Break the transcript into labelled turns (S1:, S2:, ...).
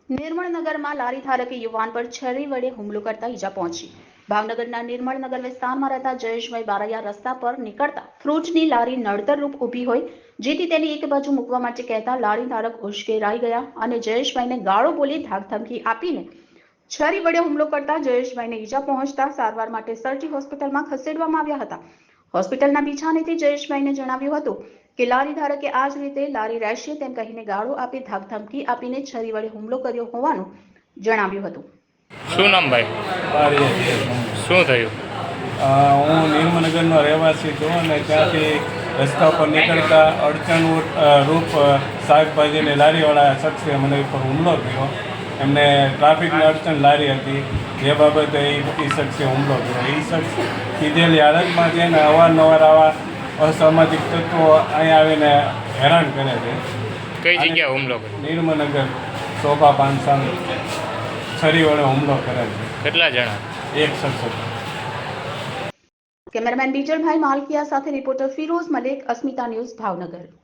S1: નિર્મળનગરમાં લારી ધારકે યુવાન પર છરી વડે હુમલો કરતા ઈજા પહોંચી. ભાવનગરના નિર્મળનગર વિસ્તારમાં રહેતા જયેશભાઈ બારૈયા રસ્તા પર નીકળતા ફ્રૂટની લારી નડતરરૂપ ઊભી હોય, જેથી તેની એક બાજુ મૂકવા માટે કહેતા લારી ધારક ઉશ્કેરાઈ ગયા અને જયેશભાઈને ગાળો બોલી ધાકધમકી આપીને છરી વડે હુમલો કરતા જયેશભાઈને ઈજા પહોંચતા સારવાર માટે સરટી હોસ્પિટલમાં ખસેડવામાં આવ્યા હતા. હોસ્પિટલના બિછાનેથી જયેશભાઈને જણાવ્યું હતું કે લારી ધારકે આ જ રીતે લારી રહેશે તેમ કહીને ગાળો આપી ધાકધમકી આપીને છરી વડે હુમલો કર્યો હોવાનું જણાવ્યું હતું.
S2: શું નામ ભાઈ? શું થયું?
S3: હું નિર્મળનગરનો રહેવાસી છું અને ત્યાંથી રસ્તા પર નીકળતા અડચણ રૂપ શાકભાજીની લારીવાળા શખ્સે મને ઉપર હુમલો કર્યો. એમને ટ્રાફિકની અડચણ લારી હતી, જે બાબતે એ શખ્સે હુમલો કર્યો. એ શખ્સ કીધેલી હાલતમાં છે ને અવારનવાર આવા અસામાજિક તત્વો અહીંયા આવીને હેરાન કરે છે.
S2: કઈ જગ્યાએ હુમલો કર્યો?
S3: નિર્મળનગર શોભા પાન સામે છરી વડે હુમલો કરે છે.
S2: કેટલા જણા?
S3: એક શખ્સ હતો.
S1: કેમેરામેન બીજલભાઈ માલકિયા સાથે રિપોર્ટર ફિરોઝ મલિક, અસ્મિતા ન્યૂઝ, ભાવનગર.